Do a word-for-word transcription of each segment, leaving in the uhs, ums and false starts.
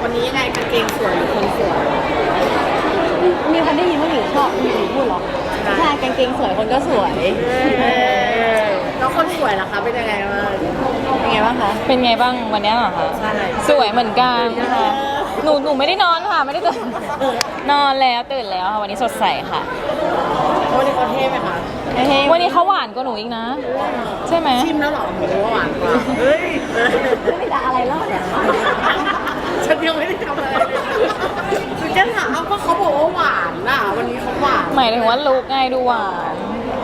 วันนี้ยังไงกางเกงสวยหรือคนสวยมีคนได้ยินว่าหนูชอบหนูพูดหรอใช่กางเกงสวยคนก็สวยแล้วคนสวยล่ะคะเป็นยังไงบ้างเป็นไงบ้างคะเป็นไงบ้างวันนี้เหรอคะสวยเหมือนกันค่ะหนูหนูไม่ได้นอนค่ะไม่ได้ตื่นนอนแล้วตื่นแล้วค่ะวันนี้สดใสค่ะวันนี้เขาเท่ไหมคะวันนี้เขาหวานกว่าหนูอีกนะใช่ไหมชิมแล้วหรอหนูว่าหวานกว่าเฮ้ยไม่ได้อะไรแล้วเนี่ยฉันยังไม่ได้ทำอะไรคือแค่ถามเขาก็เขาบอกว่าหวานน่ะวันนี้เขาหวานหมายถึงว่าลูกไงดูหวาน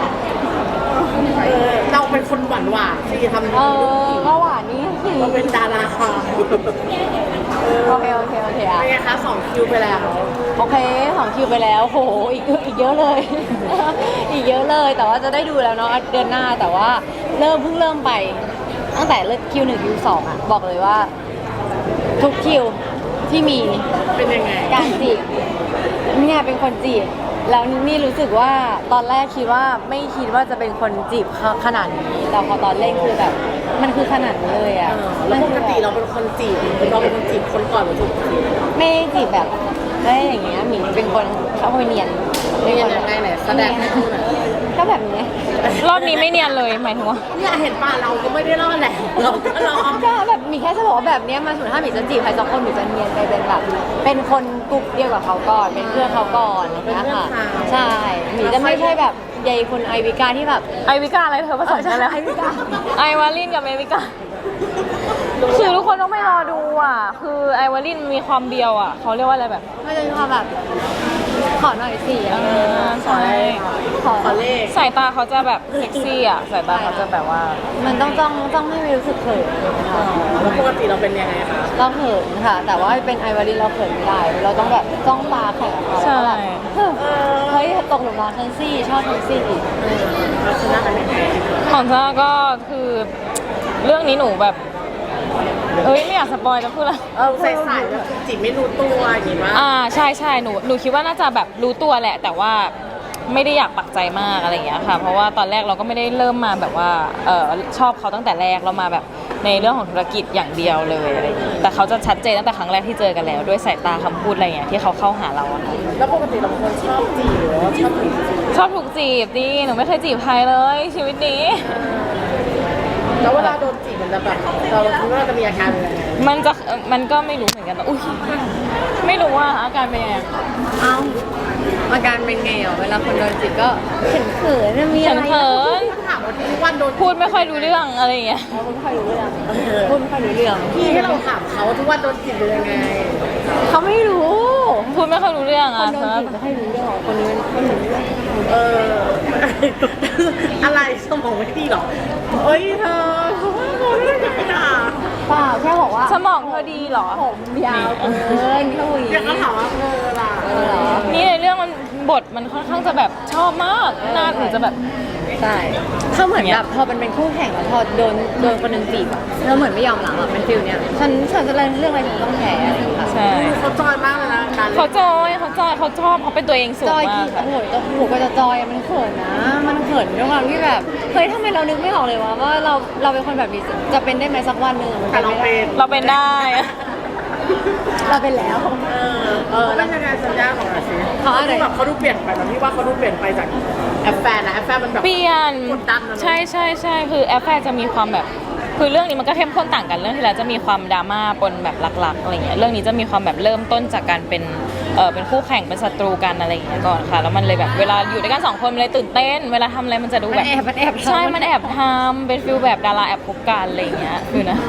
เราเป็นคนหวานหวานที่ทำเออก็หวานนี่เราเป็นดาราค่ะโอเคโอเคโอเคอ่ะเป็นไงคะสองคิวไปแล้วโอเคสองคิวไปแล้วโหอีกอีกเยอะเลยอีกเยอะเลยแต่ว่าจะได้ดูแล้วเนาะเดือนหน้าแต่ว่าเริ่มเพิ่งเริ่มไปตั้งแต่เริ่มคิวหนึ่งคิวสองอ่ะบอกเลยว่าทุกคิวที่มีเป็นยังไงการจีบเนี่ยเป็นคนจีบแล้วนี่รู้สึกว่าตอนแรกคิดว่าไม่คิดว่าจะเป็นคนจีบขนาดนี้แต่พอตอนเล่นคือแบบมันคือขนาดนี้เลยอ่ะแล้วปกติเราเป็นคนจีบเราเป็นคนจีบคนก่อนหรือถูกจีบไม่จีบแบบได้อย่างเงี้ยหมีเป็นคนเขาคอยเนียนเนียนยังไงไหนแสดงให้ดูหน่อยก็แบบนี้รอบนี้ไม่เนียนเลยหมายถึงว่าเนี่ยเห็นป่ะเราก็ไม่ได้รอดแหละเราก็รอดก็แบบมีแค่จะบอกว่าแบบนี้มาสุดท้ายหมีจะจีบใครสักคนหมีจะเนียนไปเป็นแบบเป็นคนกลุ่มเดียวกับเขาก่อนเป็นเพื่อนเขาก่อนนะคะใช่หมีจะไม่ใช่แบบใยคนไอวิกาที่แบบไอวิกาอะไรเธอผสมกันแล้วไอวิกาไอวาลินกับเมวิกาคือทุกคนต้องไม่รอดูอ่ะคือไอวาลินมีความเบียวอ่ะเขาเรียกว่าอะไรแบบมันจะมีความแบบขอหน่อยสิเออขอเลขขอเลขสายตาเขาจะแบบเซ็กซี่อ่ะสายตาเขาจะแบบว่ามันต้องจ้องจ้องให้ไม่รู้สึกเขินแล้วปกติเราเป็นยังไงคะเราเขินค่ะแต่ว่าเป็นไอวาลินเราเขินไม่ได้เราต้องแบบจ้องตาแข่งกับเขาใช่เฮ้ยตกหลุมรักทันซี่ชอบทันซี่อีกเราชนะกันยังไงของจ้าก็คือเรื่องนี้หนูแบบเอ้ยไม่อยากสปอยจะพูดละเออใส่ใส่แบบจีบไม่รู้ตัวอย่างงี้มั้ยอ่าใช่ใช่หนูหนูคิดว่าน่าจะแบบรู้ตัวแหละแต่ว่าไม่ได้อยากปักใจมากอะไรอย่างเงี้ยค่ะเพราะว่าตอนแรกเราก็ไม่ได้เริ่มมาแบบว่าเออชอบเขาตั้งแต่แรกเรามาแบบในเรื่องของธุรกิจอย่างเดียวเลยอะไรอย่างเงี้ยแต่เขาจะชัดเจนตั้งแต่ครั้งแรกที่เจอกันแล้วด้วยสายตาคำพูดอะไรอย่างเงี้ยที่เขาเข้าหาเราอะค่ะแล้วปกติเราเป็นคนชอบจีบหรือว่าชอบถูกจีบชอบถูกจีบดิหนูไม่เคยจีบใครเลยชีวิตนี้แล้วเวลาโดนจีบมันจะแบบเราคิดว่าเราจะมีอาการอะไรมันจะมันก็ไม่รู้เหมือนกันอุ้ยไม่รู้ว่าอาการเป็นยังไงเอ้าอาการเป็นไงอ่ะเวลาคนโดนจีบก็เขินเขินมีอะไรเขินถามว่าทุกวันโดนพูดไม่ค่อยรู้เรื่องอะไรอย่างเงี้ยพูดไม่ค่อยรู้เรื่องพูดไม่ค่อยรู้เรื่องพี่ให้เราถามเขาทุกวันโดนจีบเป็นยังไงเขาไม่รู้พูดไม่ค่อยรู้เรื่องอ่ะคนโดนจีบไม่ค่อยรู้เรื่องคนนี้ไม่รู้เรื่องเอออะไรสมองไม่ดีหรอเฮ้ยเธอเขาว่าเขาไม่ได้ด่าเปล่าแค่บอกว่าสมองเธอดีหรอผมยาวเกินเท่าไหร่อยากก็ถามว่าเธอล่ะนี่ในเรื่องมันบทมันค่อนข้างจะแบบชอบมากน่าหนูจะแบบใช่เขาเหมือนแบบพอมันเป็นคู่แข่งแล้วพอโดนโดนคนนึงจีบอะแล้วเหมือนไม่ยอมหลังอะเป็นฟิลเนี้ยฉันฉันจะเล่นเรื่องอะไรฉันต้องแพ้ใช่เขาจอยมากเลยนะเขาจอยเขาจอยเขาชอบเขาเป็นตัวเองสูงมากค่ะโอ้โหโหก็จะจอยมันเขินนะมันเขินด้วยความที่แบบเฮ้ยทำไมเรานึกไม่ออกเลยว่าว่าเราเราเป็นคนแบบนี้จะเป็นได้ไหมสักวันหนึ่งแต่เราเป็นเราเป็นได้เราเป็นแล้วเออเออแล้วยังไงสัญญาของอาชีพเขาดูแบบเขาดูเปลี่ยนไปแบบที่ว่าเขาดูเปลี่ยนไปจากแอปแฟนนะแอปแฟนมันแบบเปลี่ยนกดดันใช่ใช่ใช่คือแอปแฟนจะมีความแบบคือเรื่องนี้มันก็เข้มข้นต่างกันเรื่องที่แล้วจะมีความดราม่าปนแบบหลักๆอะไรเงี้ยเรื่องนี้จะมีความแบบเริ่มต้นจากการเป็นเออเป็นคู่แข่งเป็นศัตรูกันอะไรอย่างเงี้ยก่อนค่ะแล้วมันเลยแบบเวลาอยู่ด้วยกันสองคนมันเลยตื่นเต้นเวลาทำอะไรมันจะดูแบบแอบมันแอบใช่มันแอบทำเป็นฟิลแบบดาราแอบคบกันอะไรเงี้ยคือนะ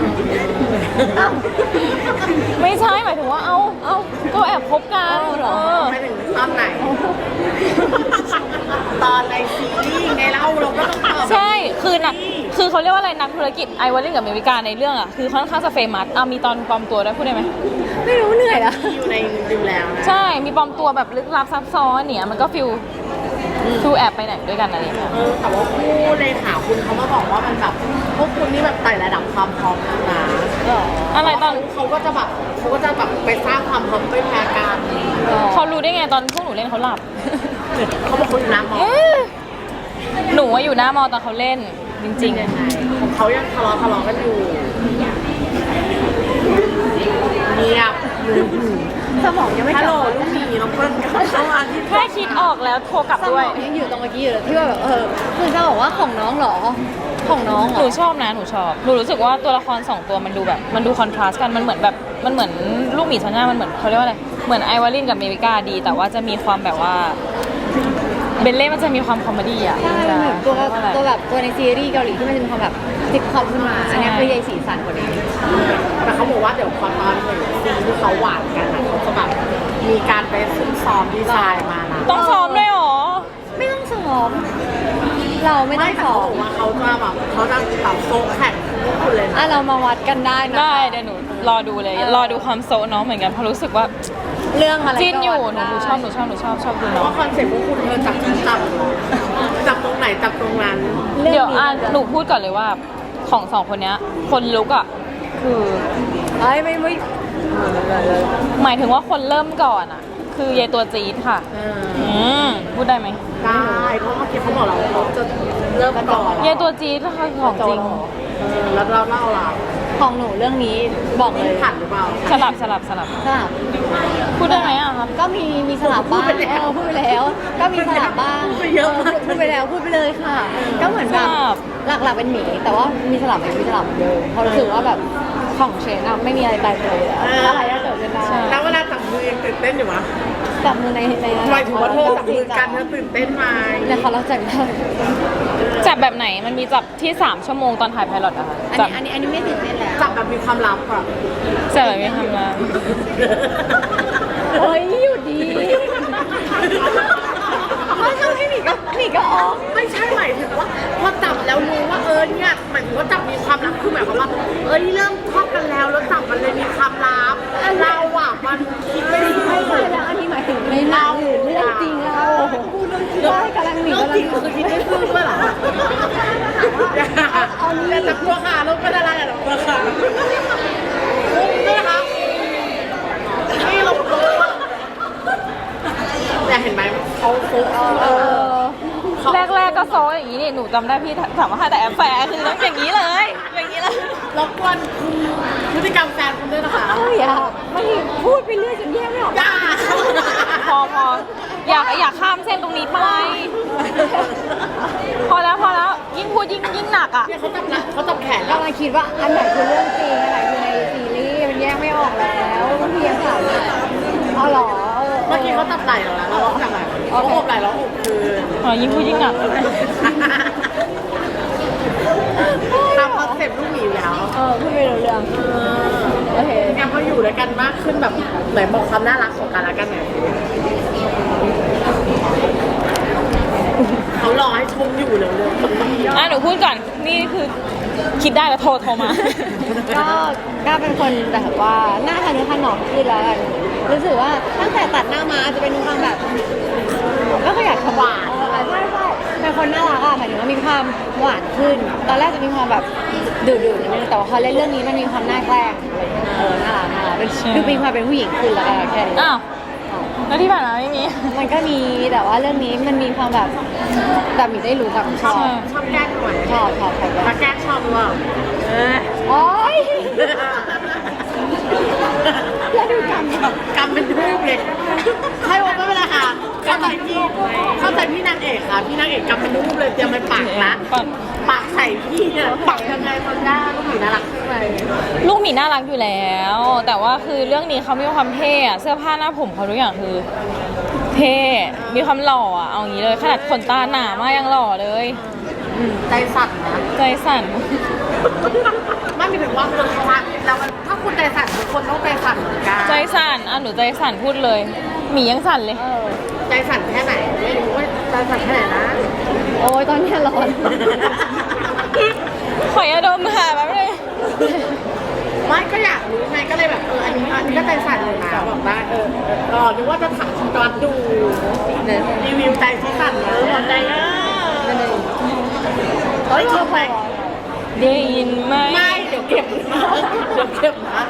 ไม่ใช่หมายถึงว่าเอ้าเอ้าก็แอบคบกันเออไม่ถึงตอนไหนตอนในซีรีส์ไงเล่าเราก็ต้องตอบใช่คือน่ะคือเขาเรียกว่าอะไรนักธุรกิจไอวอลลินกับเมวิกาในเรื่องอ่ะคือค่อนข้างจะเฟมัสอ่ะมีตอนปลอมตัวด้วยพูดได้ไหมไม่รู้เหนื่อยละอยู่ในดูแล้วใช่มีปลอมตัวแบบลึกลับซับซ้อนเนี่ยมันก็ฟิลฟิลแอบไปไหนด้วยกันอะไรอย่างเงี้ยเออแต่ว่าคู่ในข่าวคุณเขามาบอกว่ามันแบบพวกคุณนี่แบบไต่ระดับความพร้อมนะอะไรตอนเขาก็จะแบบเขาก็จะแบบไปสร้างความพร้อมไม่แพ้กันเขารู้ได้ไงตอนพวกหนูเล่นเขาหลับเขาบอกเขาอยู่หน้ามอหนูว่าอยู่หน้ามอตอนเขาเล่นจริงๆของเขายังทะเลาะทะเลาะกันอยู่เงียบสมองยังไม่ฮัลกโหลลับลูกหมีน้องเปิ้ลกลับเข้ามาที่แค่คิดออกแล้วโทรกลับสมด้วยองยังอยู่ตรงเมื่อกี้อยู่เลยที่ว่าแบบเออคือจะบอกว่าของน้องเหรอของน้องเหรหนูอชอบนะหนูชอบหนูรู้สึกว่าตัวละครสองตัวมันดูแบบมันดูคอนทราสต์กันมันเหมือนแบบมันเหมือนลูกหมีชันย่ามันเหมือนเขาเรียกว่าอะไรเหมือนไอวาลินกับเมวิกาดี แต่ว่าจะมีความแบบว่าเบลเล่มันจะมีความคอมเมดี้อ่ะใช่จะเหมือนตัวเรียกว่าอะไรตัวแบบตัวในซีรีส์เกาหลีที่มันจะมีความแบบซิทคอมขึ้นมาอันเนี้ยคือใยสีสันกว่านี้แต่เขาบอกว่าเดี๋ยวพอตอนหนึ่งซีนที่เขาหวานกันอะเขาจะแบบมีการไปซุ่มซ้อมดีไซน์มานะต้องซ้อมด้วยเหรอไม่ต้องซ้อมเราไม่ต้ไม่องแต่ซ้อเขาบมอกว่าเขาจะแบบเขาจะแบบโซกแข่งทุกคนเลยนะอ่ะเรามาวัดกันได้นะได้เดี๋ยวหนูรอดูเลยเออรอดูความโซะน้องเหมือนกันเพราะรู้สึกว่าเรื่องอะไรก็จิ้นอยู่หวันูดหนูได้ชอบหนูชอบหนูชอบชอบดูเพน้ราะองว่าคอนเซ็ปต์พวกคุณเธอจับจับจับจับตรงไหนจับตรงนั้นเรื่องเดี๋ยวนี้อ่ะหนูพูดก่อนเลยว่าของสองคนเนี้ยคนลุกอ่ะคือเอ้ยไม่ไม่หมายถึงว่าคนเริ่มก่อนอ่ะ คือยายตัวจี๊ดค่ะเอออืมพูดได้ไหมได้เพราะเมื่อกี้เขาบอกเราเขาจะเริ่มก่อนยายตัวจี๊ดนะคะของจริงเออแล้วเราเล่าล่ะของหนูเรื่องนี้บอกเลยผ่านหรือเปล่าสลับสลับสลับสลับพูดได้ไหมอ่ะครับก็มีมีสลับบ้างพูดไปแล้วเออพูดไปแล้ว ก็มีสลับบ้างพูดไปเยอะมากพูดไปแล้วพูดไปเลยค่ะ ก็เหมือนแบบสลับหลักๆเป็นหมีแต่ว่ามีสลับไหมมีสลับเหมือนเดิมเพราะรู้สึกว่าแบบของเชนอะไม่มีอะไรตายตัวเลยอะอะไรก็เกิดขึ้นได้แล้วเวลาจับมือยังตื่นเต้นอยู่มั้ยจับมือในในนั้นหมายถึงว่าเธอจับมือกันเธอตื่นเต้นไหมเนี่ยเขาเราจับได้จับแบบไหนมันมีจับที่สามชั่วโมงตอนถ่ายไพลอตอะค่ะอันจับนี้อันนี้อันนี้ไม่ตื่นเต้นแล้วจับแบบมีความลับอ่ะจับแบบไม่ทำงานโอ้ยอยู่ดีเขาทำให้หมีก็หมีก็อ๋อไม่ใช่หมายถึงว่าพอจับแล้วรู้ว่าเออเนี่ยหมายถึงว่าจับมีความลับคือหมายความว่า เอ้ยเริ่มชอบกันแล้วแล้วจับมันเลยมีความลับเราอ่ะมันคิดไม่ได้ไม่ใช่แล้วอันนี้หมายถึงในหนังหรือเรื่องจริงเราพูดเรื่องจริงว่ากำลังหมีเรื่องกำลัจริงงคือคิดไม่ซื่อด้วยเหรออย่าจับตัวขาลูกไม่ได้อะไรหรอกตัวขานี่นะคะนี่ลงตัวแต่เห็นไหมเขาโฟกัสเออแรกๆก็โซะอย่างนี้นี่หนูจำได้พี่ถามว่าแต่แอปแฝงคือต้องอย่างนี้เลย อย่างนี้เลยรบกวนคุณพฤติกรรมแฟนคุณด้วยนะคะเอ้ยอ่ะไม่พูดไปเรื่อยจนแยกไม่ออกย่าพอพออยากอยากข้ามเส้นตรงนี้ไป พอแล้วพอแล้วยิ่งพูดยิ่งยิ่งหนักอ่ะเนี่ยเขาจับหลังเขาจับแขนแล้วกำลังคิดว่าอันไหนคือเรื่องจริงอันไหนคือในซีรีส์มันแยกไม่ออกแล้วบางทียังถามว่าเอาเหรอเออเมื่อกี้เขาจับไหล่เราแล้วเราร้องจับไหล่เขาโอบไหล่เราโอบคืนอ๋อยิ่งพูดยิ่งหนักตามคอนเซ็ปต์ลูกหมีอยู่แล้วเออพูดไม่รู้เรื่องโอเคงั้นพออยู่ด้วยกันมากขึ้นแบบไหนบอกความน่ารักของกันและกันหน่อยเขารอให้ชมอยู่เร็วอ่ะหนูพูดก่อนนี่คือคิดได้แล้วโทรโทรมาก็ก็เป็นคนแบบว่าหน้าทะนุถนอมขึ้นแล้วกันรู้สึกว่าตั้งแต่ตัดหน้ามาจะเป็นความแบบไม่ค่อยอยากทำหวานใช่ใช่เป็นคนน่ารักอ่ะหมายถึงว่ามีความหวานขึ้น ตอนแรกจะมีความแบบดุๆนิดนึงแต่ว่าพอเล่นเรื่องนี้มันมีความน่าแกล้งเออน่ารักน่ารักเป็นใช่ดูมีความเป็นผู้หญิงขึ้นแล้วกันแค่นี้อ้าวแล้วที่ผ่านมาไม่มีมันก็มีแต่ว่าเรื่องนี้มันมีความแบบแบบมีได้รู้กับชอบใช่ๆชอบแกล้งหน่อยชอบชอบชอบถ้าแกล้งชอบหรือเปล่าเออโอ๊ยแล้วดูกันกำเป็นรูปเลยใช่ว่าไม่เป็นไรค่ะเข้าใจพี่เข้าใจพี่นางเอกค่ะพี่นางเอกกำเป็นรูปเลยเตรียมไปปักละปักปักใส่พี่เนี่ยปักยังไงคนได้ลูกหมีน่ารักขึ้นไปลูกหมีน่ารักอยู่แล้ว แต่ว่าคือเรื่องนี้เขามีความเท่อะเสื้อผ้าหน้าผมเขาทุกอย่างคือ เท่มีความหล่ออะเอางี้เลยขนาดขนตาหนามากยังหล่อเลยใจสั่นนะใจสั่นไม่มีถึงว่ามันชัดแล้วมันถ้าคุณใจสั่นทุกคนต้องใจสั่นเหมือนกันใจสั่นอ่ะหนูใจสั่นพูดเลยหมียังสั่นเลยเออใจสั่นแค่ไหนไม่รู้ว่าใจสั่นแค่ไหนนะโอ้ยตอนนี้ร้อนขอยาดมค่ะแป๊บนึงไม่ก็อยากรู้ไงก็เลยแบบเอออันนี้อันนี้ก็ใจสั่นเลยนะบอกได้เออเออเออนึกว่าจะถามตอนดูรีวิวใจที่สั่นนะหมดใจอ่ะเฮ้ยเชื่อไหมได้ยินไหมไม่เดี๋ยวเก็บนะเดี๋ยวเก็บนะ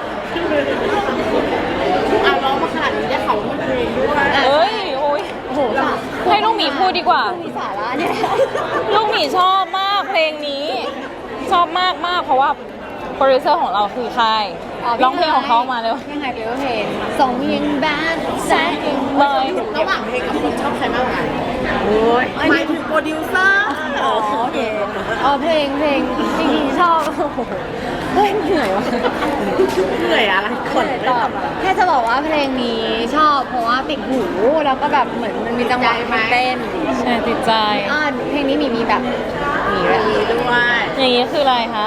อ่ะร้องมาขนาดนี้ได้เขามีเพลงด้วยเอ้ยโอ้ยโอ้โหสาให้ลูกหมีพูดดีกว่ามีสาระเนี่ยลูกหมีชอบมากเพลงนี้ ชอบมากมากเพราะว่าโปรดิวเซอร์ของเราคือใครร้องเพลงของเขามาเร็วเพลงไฮเปเพลงสองยังแบดแซดเลยระหว่างเพลงกับคนชอบใครมากกว่ากันโอ้ยหมายถึงโปรดิวเซอร์อ๋อโอเคอ๋อเพลงเพลงจริงๆชอบโอ้โหเฮ้ยเหนื่อยวะเหนื่อยอะไรคนเหนื่อยไม่ตอบทำอะไรแค่จะบอกว่าเพลงนี้ชอบเพราะว่าติดหูแล้วก็แบบเหมือนมันมีจังหวะมันเต้นใช่ติดใจอ่าเพลงนี้มีมีแบบมีแบบดีด้วยอย่างนี้คืออะไรครับ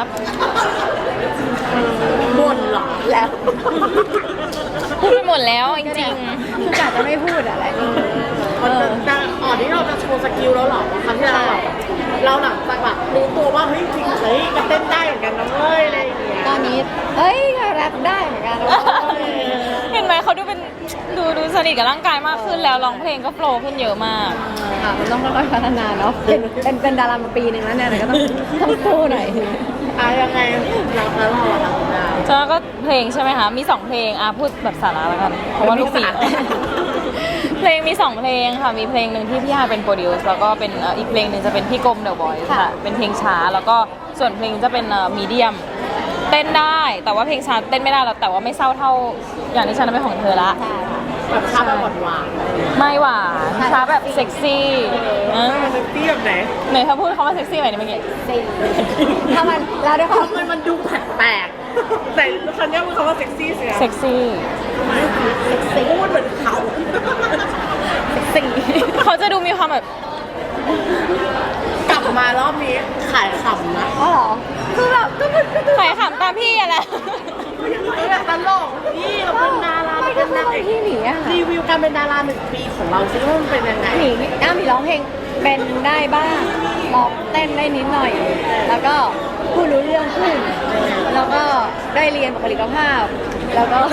บ่นเหรอแล้วพูดไปหมดแล้วจริงคือกะจะไม่พูดอะไรนี่เออแต่อ๋อนี่เราจะโชว์สกิลแล้วเหรอครั้งที่เราแบบเราหลังจากแบบรู้ตัวว่าเฮ้ยจริงเฮ้ยก็เต้นได้เหมือนกันนะเว้ยอะไรอย่างเงี้ยตอนนี้เอ้ยก็แรปได้เหมือนกันนะๆ เห็นไหมเขาดูเป็นดูดูสนิทกับร่างกายมากขึ้นแล้วร้องเพลงก็โฟลว์ขึ้นเยอะมากค่ะมันต้องค่อยๆพัฒนาเนาะเป็นเป็นเป็นดารามาปีหนึ่งแล้วเนี่ยก็ต้องต้องสู้หน่อยอ่ะยังไงเราแล้วเราอะเราแล้วก็เพลงใช่ไหมคะ มีสองเพลงอ่ะพูดแบบสาระแล้วกัน เพราะว่าลูกศิษย์ เพลงมีสองเพลงค่ะ มีเพลงหนึ่งที่พี่ฮายเป็นโปรดิวซ์แล้วก็เป็นเอ่ออีกเพลงหนึ่งจะเป็นพี่กรมเดอะบอยค่ะ เป็นเพลงช้า แล้วก็ส่วนเพลงจะเป็นมีเดียม เต้นได้ แต่ว่าเพลงช้าเต้นไม่ได้แล้วแต่ว่าไม่เศร้าเท่าอย่างที่ฉันเป็นของเธอละใช่ค่ะแบบชาแบบหวานไม่หวานช้าแบบเซ็กซี่ๆเอเอออมันเตี้ยแบบไหนไหนถ้าพูดคำว่าเซ็กซี่หน่อยดิเมื่อกี้สี่ถ้ามันแล้วด้วยความทำไมมันดูแปลกๆแต่ฉันเนี่ยมันคำว่าเซ็กซี่เสียเซ็กซี่พูดเหมือนเขาสี่เขาจะดูมีความแบบกลับมารอบนี้ขายขำนะอ๋อเหรอคือแบบก็คือก็คือใครขำตามพี่อะแหละแบบตลกนี่เราเป็นดาราไม่เราก็เป็นคือนางเอกที่หนีอะค่ะรีวิวการเป็นดาราหนึ่งปีของเราซิว่ามันเป็นยังไงหนีอ้ามีร้องเพลงเป็นได้บ้างร้องเต้นได้นิดหน่อย แล้วก็พูดรู้เรื่องขึ้น แล้วก็ได้เรียนบุคลิกภาพ แล้วก็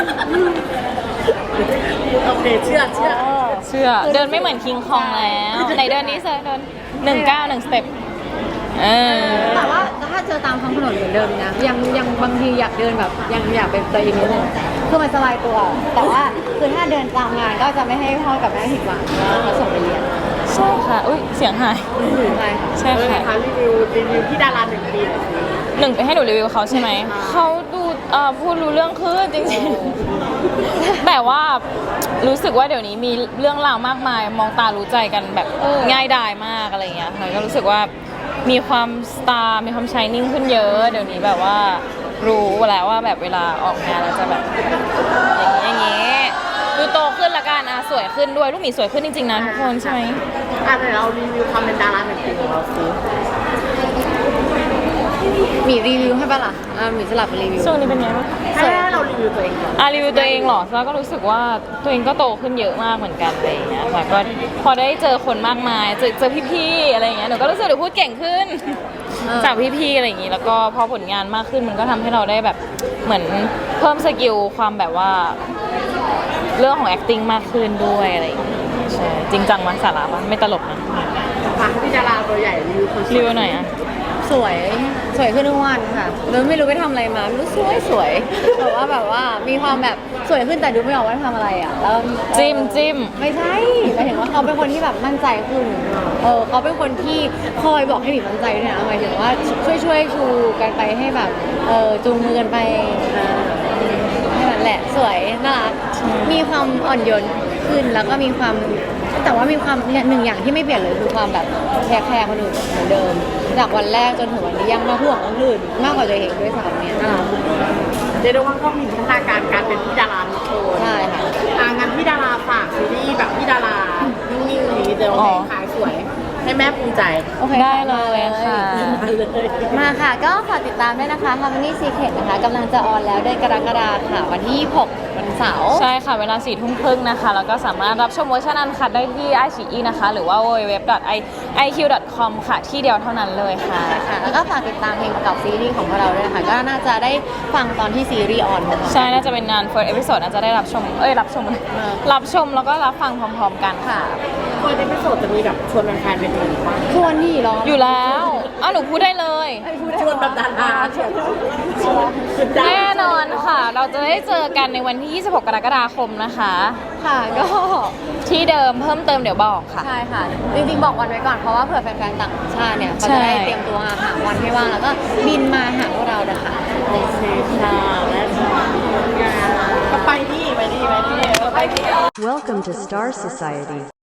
โอเคเชื่อเชื่อเชื่อเดินไม่เหมือนคิงคองแล้วไหนเดินนี้เซอร์เดินหนึ่งเก้าหนึ่งสเต็ปเออแต่ว่าถ้าเจอตามท้องถนนเหมือนเดิมนะยังยังบางทีอยากเดินแบบยังอยากเป็นตัวเองนิดนึงคือมันสบายตัว แต่ว่าคือถ้าเดินตามงานก็จะไม่ให้พ่อกับแม่ผิดหวังเขาส่งไปเรียนใช่ค่ะอุ้ยเสียงหายใช่ค่ะใช่เออค่ะนะคะรีวิวรีวิวที่ดาราหนึ่งปีหน่อยสิหนึ่งไปให้หนูรีวิวเขาใช่ไหมเขาดูเอ่อพูดรู้เรื่องขึ้นจริงๆแต่ว่ารู้สึกว่าเดี๋ยวนี้มีเรื่องราวมากมาย มองตารู้ใจกันแบบง่ายดายมากอะไรอย่างเงี้ยค่ะก็รู้สึกว่ามีความสตาร์มีความชายนิ่งขึ้นเยอะ เดี๋ยวนี้แบบว่ารู้แล้วว่าแบบเวลาออกงานเราจะแบบอย่างนี้อย่างนี้ดูโตขึ้นละกันอ่ะสวยขึ้นด้วยลูกหมีสวยขึ้นจริงๆนะทุกคนใช่ไหมอ่ะเดี๋ยวเรารีวิวความเป็นดาราหนึ่งปีของเราสิมีรีวิวให้ปะล่ะอ่ามีสลับรีวิวช่วงนี้เป็นไงบ้างให้เรารีวิวตัวเองก่อนอ่ะรีวิวตัวเองเหรอแล้วก็รู้สึกว่าตัวเองก็โตขึ้นเยอะมากเหมือนกันอะไรอย่างเงี้ยค่ะก็พอได้เจอคนมากมายเจอเจอพี่ๆอะไรอย่างเงี้ยหนูก็รู้สึกหนูพูดเก่งขึ้นเออจากพี่ๆอะไรอย่างงี้แล้วก็พอผลงานมากขึ้นมันก็ทำให้เราได้แบบเหมือนเพิ่มสกิลความแบบว่า เรื่องของ acting มากขึ้นด้วยอะไรอย่างเงี้ยใช่จริงจังมั้ยสาระปะไม่ตลกนะมาที่ดาราตัวใหญ่รีวิวคนสรีวยวิวหน่อยอ่ะสวยสวยขึ้นทุกวันค่ะแล้วไม่รู้ไปทำอะไรมาไม่รู้สวยสวยแต่ว่าแบบว่ามีความแบบสวยขึ้นแต่ดูไม่ออกว่าทำอะไรอ่ะแล้วจิ้มจิ้มไม่ใช่หมายถึงว่าเขาเป็นคนที่แบบมั่นใจขึ้นเออเขาเป็นคนที่คอยบอกให้หมีมั่นใจด้วยนะหมายถึงว่าช่วยช่วยชูกันไปให้แบบเออจูงมือกันไปอ่าให้มันแหละสวยน่ารักมีความอ่อนโยนขึ้นแล้วก็มีความแต่ว่ามีความเนี่ยหนึ่งอย่างที่ไม่เปลี่ยนเลยคือความแบบแคร์แคร์คนอื่นเหมือนเดิม จากวันแรกจนถึงวันนี้ยังมาห่วงคนอื่นมากกว่าตัวเองด้วยซ้ำเนี่ยน่ารักเรียกได้ว่าก็มีพัฒนาการการเป็นพี่ดาราทุกคนใช่ค่ะอ่ะงั้นพี่ดาราฝากซีรีส์แบบพี่ดารานิ่งๆนี้เดี๋ยวอ๋อขายสวยให้แม่ภูมิใจโอเคได้เลยค่ะมาเลยมาค่ะ ก็ฝากติดตามด้วยนะคะ Harmony Secret นะคะกำลังจะออนแล้วเดือนกรกฎาคมค่ะ วันที่ยี่สิบหกวันเสาร์ใช่ค่ะ เวลาสี่ทุ่มครึ่งนะคะ แล้วก็สามารถรับชมเวอร์ชันอันคัดได้ที่ ไอ ซี อี นะคะ หรือว่า ดับเบิลยู ดับเบิลยู ดับเบิลยู ดอท ไอ คิว ดอท คอม ค่ะ ที่เดียวเท่านั้นเลยค่ะค่ะ แล้วก็ฝากติดตามเพลงประกอบซีรีส์ของพวกเราด้วยนะคะ ก็น่าจะได้ฟังตอนที่ซีรีส์ออนค่ะใช่ น่าจะเป็นงาน first episode น่าจะได้รับชม เอ้ย รับชม รับชมแล้วก็รับฟังพร้อมๆกันค่ะค่ะคนในพิโซดจะมีแบบชวนแฟนๆไปดูบ้างชวนที่ร้องอยู่แล้วอ้าวหนูพูดได้เลยชวนแบบดาราเชียวชวนดาราแน่นอนค่ะ เราจะได้เจอกันในวันที่ ยี่สิบหก กรกฎาคมนะคะค่ะก็ที่เดิมเพิ่มเติมเดี๋ยวบอกค่ะใช่ค่ะ จริงๆบอกวันไว้ก่อนเพราะว่าเผื่อแฟนๆต่างชาติเนี่ยเขาจะได้ใช่เตรียมตัวหาวันให้ว่างแล้วก็บินมาหาพวกเรานะคะโอเคค่ะและก็ไปที่ไปที่ไปที่ไปที่ Welcome to Star Society.